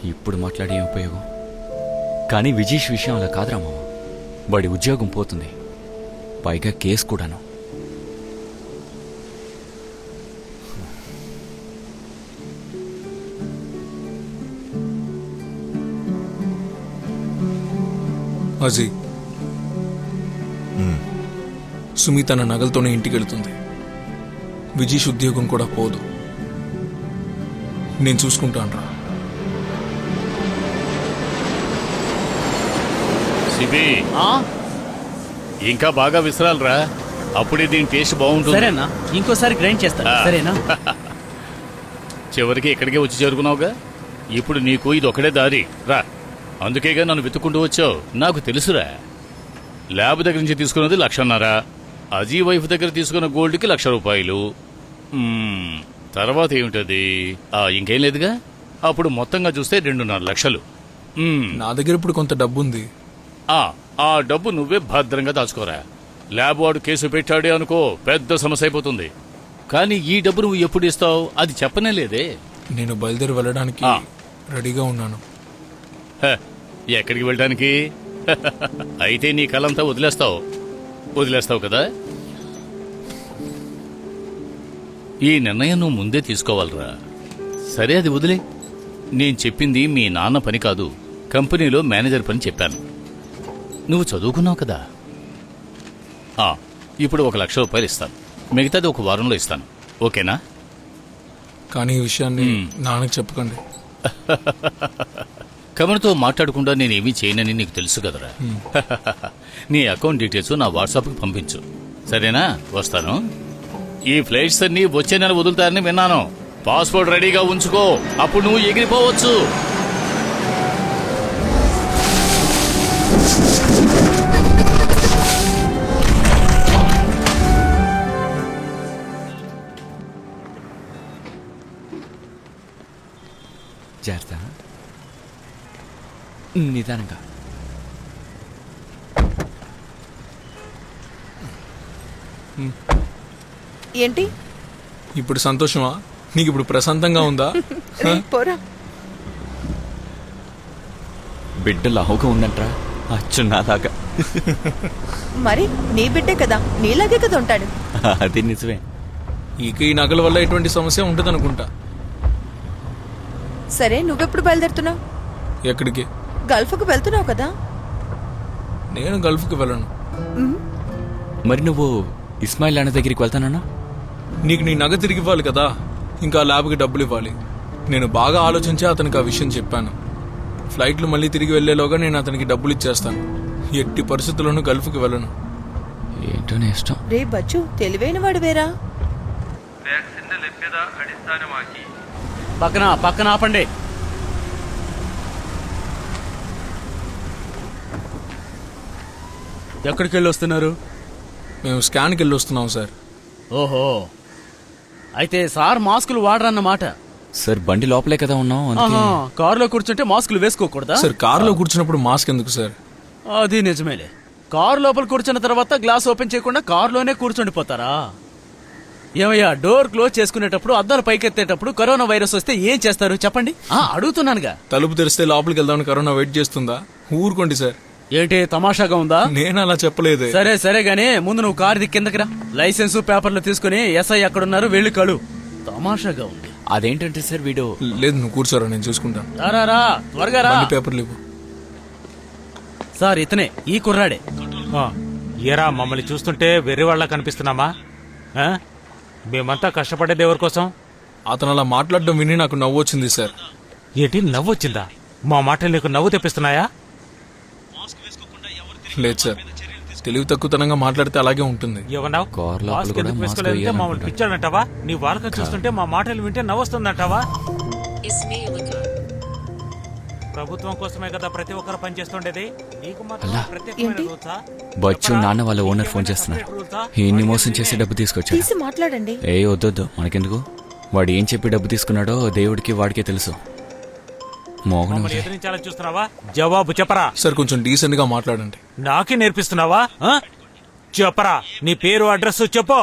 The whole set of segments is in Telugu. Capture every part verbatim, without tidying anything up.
ఇప్పుడు మాట్లాడే ఏం ఉపయోగం? కానీ విజేష్ విషయం అలా కాదురా మామ. వాడి ఉద్యోగం పోతుంది, పైగా కేసు కూడాను. అజీ, సుమి తన నగలతోనే ఇంటికి వెళ్తుంది. విజీష్ ఉద్యోగం కూడా పోదు. నేను చూసుకుంటాను రా. సిబి, ఇంకా బాగా విసరాలరా, అప్పుడే దీని టేస్ట్ బాగుంటుంది. సరేనా, ఇంకోసారి గ్రైండ్ చేస్తా. సరేనా? చివరికి ఇక్కడికే వచ్చి చేరుకున్నావుగా. ఇప్పుడు నీకు ఇది ఒకటే దారి రా. అందుకేగా నన్ను వెతుక్కుంటూ వచ్చావు. నాకు తెలుసురా. ల్యాబ్ దగ్గర నుంచి తీసుకున్నది లక్షన్నర, అజీ వైఫ్ దగ్గర తీసుకున్న గోల్డ్కి లక్ష రూపాయలు. తర్వాత ఏమిటది? ఇంకేం లేదుగా. అప్పుడు మొత్తంగా చూస్తే రెండున్నర లక్షలు. నా దగ్గర ఇప్పుడు కొంత డబ్బు ఉంది. ఆ డబ్బు నువ్వే భద్రంగా దాచుకోరా. ల్యాబ్ వాడు కేసు పెట్టాడే అనుకో, పెద్ద సమస్య అయిపోతుంది. కానీ ఈ డబ్బు నువ్వు ఎప్పుడు ఇస్తావు అది చెప్పనే లేదే. నేను బయలుదేరి వెళ్ళడానికి రెడీగా ఉన్నాను. ఎక్కడికి వెళ్ళడానికి? అయితే నీ కలంతా వదిలేస్తావు వదిలేస్తావు కదా. ఈ నిర్ణయం నువ్వు ముందే తీసుకోవాలరా. సరే, అది వదిలే. నేను చెప్పింది మీ నాన్న పని కాదు, కంపెనీలో మేనేజర్ పని చెప్పాను. నువ్వు చదువుకున్నావు కదా. ఇప్పుడు ఒక లక్ష రూపాయలు ఇస్తాను, మిగతాది ఒక వారంలో ఇస్తాను. ఓకేనా? కానీ ఈ విషయాన్ని నాన్నకి చెప్పకండి. కమర్తో మాట్లాడకుండా నేనేమీ చేయనని నీకు తెలుసు కదరా. నీ అకౌంట్ డీటెయిల్స్ నా వాట్సాప్కి పంపించు, సరేనా? వస్తాను. ఈ ఫ్లైట్స్ అన్ని వచ్చే నెల వదులుతారని విన్నాను. పాస్పోర్ట్ రెడీగా ఉంచుకో, అప్పుడు నువ్వు ఎగిరిపోవచ్చు. జాగ్రత్త, నిదానంగా. ఏంటి ఇప్పుడు సంతోషమా? నీకు ఇప్పుడు ప్రశాంతంగా ఉందా? పోరా. బిడ్డ లావుగా ఉందంట్రా, అచ్చు నాలాగా. మరి నీ బిడ్డే కదా, నీలాగే కదా ఉంటాడు. అది నిజమే. ఇక ఈ నగల వల్ల ఎటువంటి సమస్య ఉంటుంది అనుకుంటా. సరే, నువ్వెప్పుడు బయలుదేరుతున్నావు? ఎక్కడికి? గల్ఫ్కు వెళ్తున్నావు కదా. నేను గల్ఫ్కి వెళ్ళను. మరి నువ్వు ఇస్మాయిల్ అన్న దగ్గరికి వెళ్తానన్నా? నీకు నీ నగ తిరిగి ఇవ్వాలి కదా, ఇంకా ల్యాబ్కి డబ్బులు ఇవ్వాలి. నేను బాగా ఆలోచించి అతనికి ఆ విషయం చెప్పాను. ఫ్లైట్లు మళ్ళీ తిరిగి వెళ్లేలోగా నేను అతనికి డబ్బులు ఇచ్చేస్తాను. ఎట్టి పరిస్థితుల్లోనూ గల్ఫ్కి వెళ్ళను. ఏంటో ఇష్టం. రే బచ్చు, తెలివైన వాడు వేరా. పక్కన పక్కన ఆపండి. ఎక్కడికి వెళ్ళి వస్తున్నారు? మేము స్కాన్కి వెళ్ళి వస్తున్నాం సార్. ఓహో, అయితే సార్ మాస్కులు వాడరన్నమాట. సార్ బండి లోపలే కదా ఉన్నాం, కారులో కూర్చుంటే మాస్కులు వేసుకోకూడదా? సార్ కారులో కూర్చున్నప్పుడు మాస్క్ ఎందుకు సార్? అది నిజమేలే. కారు లోపల కూర్చున్న తర్వాత గ్లాస్ ఓపెన్ చేయకుండా కారులోనే కూర్చుండిపోతారా? ఏమయ్యా, డోర్ క్లోజ్ చేసుకునేటప్పుడు అద్దాలు పైకెత్తేటప్పుడు కరోనా వైరస్ వస్తే ఏం చేస్తారు చెప్పండి? అడుగుతున్నానుగా. తలుపు తెరిస్తే లోపలికి వెళ్దామని కరోనా వెయిట్ చేస్తుందా? ఊరుకోండి సార్. ఏంటి తమాషాగా ఉందా? నేను అలా చెప్పలేదు. సరే సరే గానీ ముందు నువ్వు కారు దిక్కి కిందకి రా. లైసెన్స్ పేపర్లు తీసుకుని ఎస్ఐ ఎక్కడున్నారు వెళ్ళి కలు. తమాషాగా ఉంది. అదేంటంటే సార్ వీడు. లేదు, నువ్వు కూర్చోరా, నేను చూసుకుంటాను. రా త్వరగా రా. పేపర్లు ఇవ్వు సార్. ఇతనే, ఈ కుర్రాడే. ఏరా, మమ్మల్ని చూస్తుంటే వెర్రి వాళ్ళ కనిపిస్తున్నామా? మేమంతా కష్టపడేది ఎవరి కోసం? అతను అలా మాట్లాడడం విని నాకు నవ్వు వచ్చింది సార్. ఏంటి నవ్వు వచ్చిందా? మా మాటలు నీకు నవ్వు తెప్పిస్తున్నాయా? లేదు సార్, తెలివి తక్కువతనంగా మాట్లాడితే అలాగే ఉంటుంది. ఏమన్నావు? మమ్మల్ని పిచ్చాడంటావా? నీ వాళ్ళకి చూస్తుంటే మా మాటలు వింటే నవ్వొస్తుందంటావా? ప్రభుత్వం కోసమే కదా ప్రతి ఒక్కరు పనిచేస్తుండేది. బచ్చు నాన్న వాళ్ళ ఓనర్ ఫోన్ చేస్తున్నారు. ఈయన్ని మోసం చేసి డబ్బు తీసుకొచ్చాడు. తీసి మాట్లాడండి. ఏ వద్దొద్దు, మనకెందుకు. వాడు ఏం చెప్పి డబ్బు తీసుకున్నాడో దేవుడికి వాడికే తెలుసు. ఎదిరించాలని చూస్తున్నావా? జవాబు చెప్పరా. సార్ కొంచెం డీసెంట్ గా మాట్లాడండి. నాకే నేర్పిస్తున్నావా? చెప్పరా, నీ పేరు అడ్రస్ చెప్పు.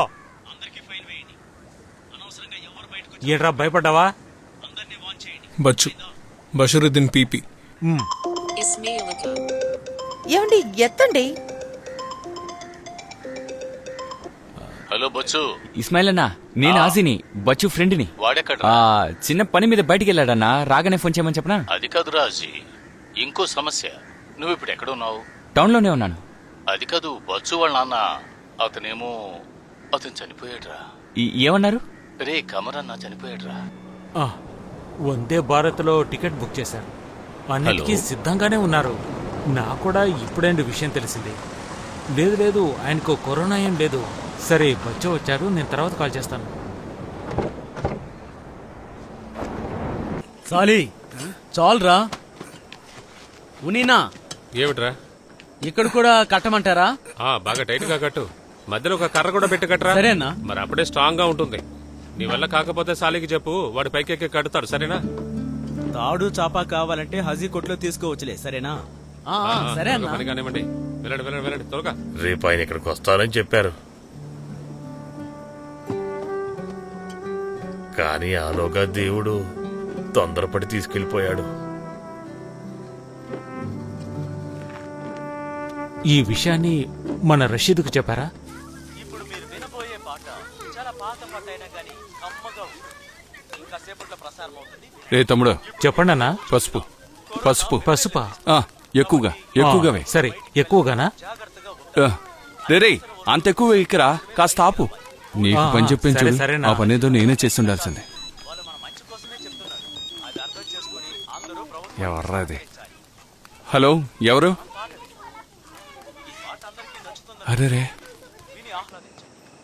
ఏంట్రా భయపడ్డావా? బచ్చు, బషరుద్దీన్ పీపీ. ఏమండి ఎత్తండి. హలో బొచ్చు, ఇస్మాయిల్ అన్నా, నేను ఆ. ఆజీని, బచ్చు ఫ్రెండ్ని. వాడెక్కడ? ఆ, చిన్న పని మీద బయటికి వెళ్ళాడన్నా, రాగానే ఫోన్ చేయమని చెప్పనా? అది కాదు రాజీ, ఇంకో సమస్య. నువ్వు ఇప్పుడు ఎక్కడ ఉన్నావు? టౌన్లోనే ఉన్నాను. అది కాదు, బొచ్చు వాళ్ళ నాన్న అతనేమో అతను చనిపోయాడురా. ఈ- ఏమన్నారు? రే కమరన్న చనిపోయాడురా. ఆ, వందే భారత్లో టికెట్ బుక్ చేశారు. అన్నిటికీ హలో. సిద్ధంగానే ఉన్నారు. నాకు కూడా ఇప్పుడేంటి విషయం తెలిసింది. లేదు లేదు, ఆయనకు కరోనా ఏం లేదు. సరే బచ్చో వచ్చారు, నేను తర్వాత కాల్ చేస్తాను. సాలి చాలురా. ఉనీనా ఏమిట్రా? ఇక్కడ కూడా కట్టమంటారా? ఆ బాగా టైట్ గా కట్టు. మధ్యలో ఒక కర్ర కూడా పెట్టి కట్టరా. సరేనా? మరి అప్పుడే స్ట్రాంగ్ గా ఉంటుంది. నీ వల్ల కాకపోతే సాలికి చెప్పు, వాడి పైకి ఎక్కి కడతాడు. సరేనా? తాడు చాపా కావాలంటే హజీ కొట్లో తీసుకోవచ్చులే, సరేనా? ఆ, ఆ, సరే అన్నా. పని కానివ్వండి. వెళ్ళండి వెళ్ళండి వెళ్ళండి త్వరగా. రేపు ఆయన ఇక్కడికి వస్తారని చెప్పారు, కానీ ఆలోగా దేవుడు తొందరపడి తీసుకెళ్లిపోయాడు. ఈ విషయాన్ని మన రషీద్కు చెప్పారా? ఇప్పుడు మీరు వినబోయే పాట చాలా పాత పాట అయినా కానీ అమ్మగా ఉంటుంది. ఇంకా సేపట్లో ప్రసారం అవుతుంది. రే తమ్ముడు, చెప్పండి అన్నా. పసుపు పసుపు పసుపా? ఆ, ఎక్కువగా ఎక్కువగా వే. ఆ, సరే ఎక్కువగానా? ఆ, రే రే, అంత ఎక్కువ ఇక్కడ కాస్త ఆపు. నీకు ఆ, పని చెప్పించు. సరే, సరేనా. ఆ పనేదో నేనే చేస్తుండాల్సిందే. వాళ్ళు మన మంచి కోసమే చెప్తున్నారు. అది అర్థం చేసుకుని అందరూ ప్రభుత్వం ఎవర్రా అది? హలో, ఎవరు? అరే రే, విని ఆహ్లాదించండి.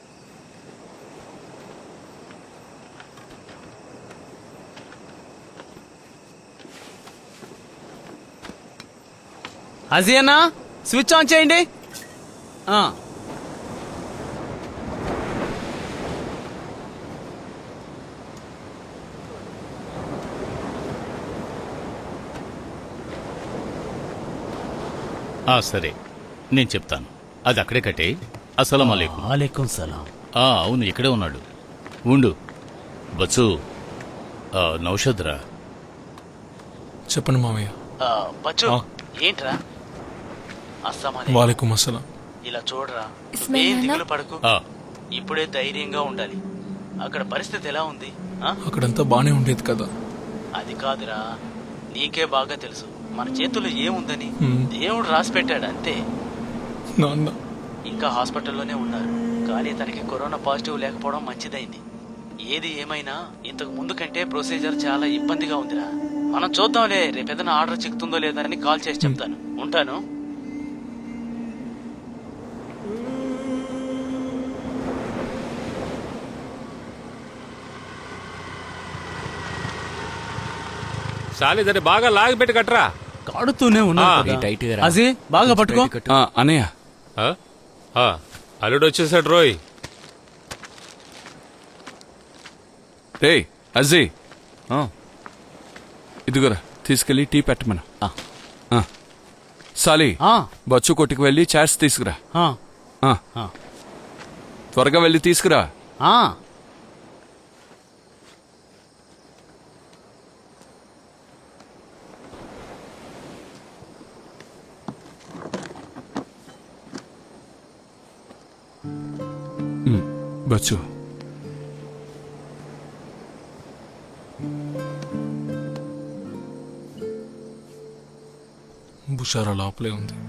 అజీ అన్నా, స్విచ్ ఆన్ చేయండి. ఆ, ఆ సరే, నేను చెప్తాను. అది అక్కడే కట్టే. అస్సలం అలైకుం. వాలేకుం సలాం. ఆ, అవును ఇక్కడే ఉన్నాడు. ఉండు బచ్చు. ఆ, నౌషద్ రా. చెప్పండి మామయ్య. బచ్చు ఆ. ఏంట్రా? అస్సమా వాలేకుం అస్సలాం. ఇలా చూడరా, ఇస్మాయిల్ ఏం నాన్న? దిగులు పడకు. ఆ, ఇప్పుడే ధైర్యంగా ఉండాలి. అక్కడ పరిస్థితి ఎలా ఉంది? ఆ? అక్కడంతా బానే ఉండేది కదా. అది కాదురా, నీకే బాగా తెలుసు మన చేతుల్లో ఏముందని. హ్మ్. దేవుడు రాసి పెట్టాడు అంతే. నాన్న, ఇంకా హాస్పిటల్లోనే ఉన్నారు, కానీ తనకి కరోనా పాజిటివ్ లేకపోవడం మంచిదైంది. ఏది ఏమైనా ఇంతకు ముందు కంటే ప్రొసీజర్ చాలా ఇబ్బందిగా ఉందిరా. మనం చూద్దాంలే, రేపేదైనా ఆర్డర్ చిక్కుతుందో లేదని కాల్ చేసి చెప్తాను. ఉంటాను. సాలి దాన్ని బాగా లాగి పెట్టి కట్టరా. కాడుతూనే ఉన్నా ఆ. కదా. టైట్గా రా. అజీ బాగా పట్టుకో. ఆ, అన్నయ్య, ఆ? ఆ, అల్లుడు వచ్చేసాడు రోయ్. రే అజీ, ఆ, ఇదిగోరా తీసుకెళ్లి టీ పెట్టమను. ఆ. ఆ. సాలి, ఆ, బచ్చు కొట్టుకు వెళ్ళి చాట్స్ తీసుకురా. ఆ, ఆ. ఆ. త్వరగా వెళ్ళి తీసుకురా. ఆ. ఉమ్, బచ్చు, బుషారా లోపలే ఉంది.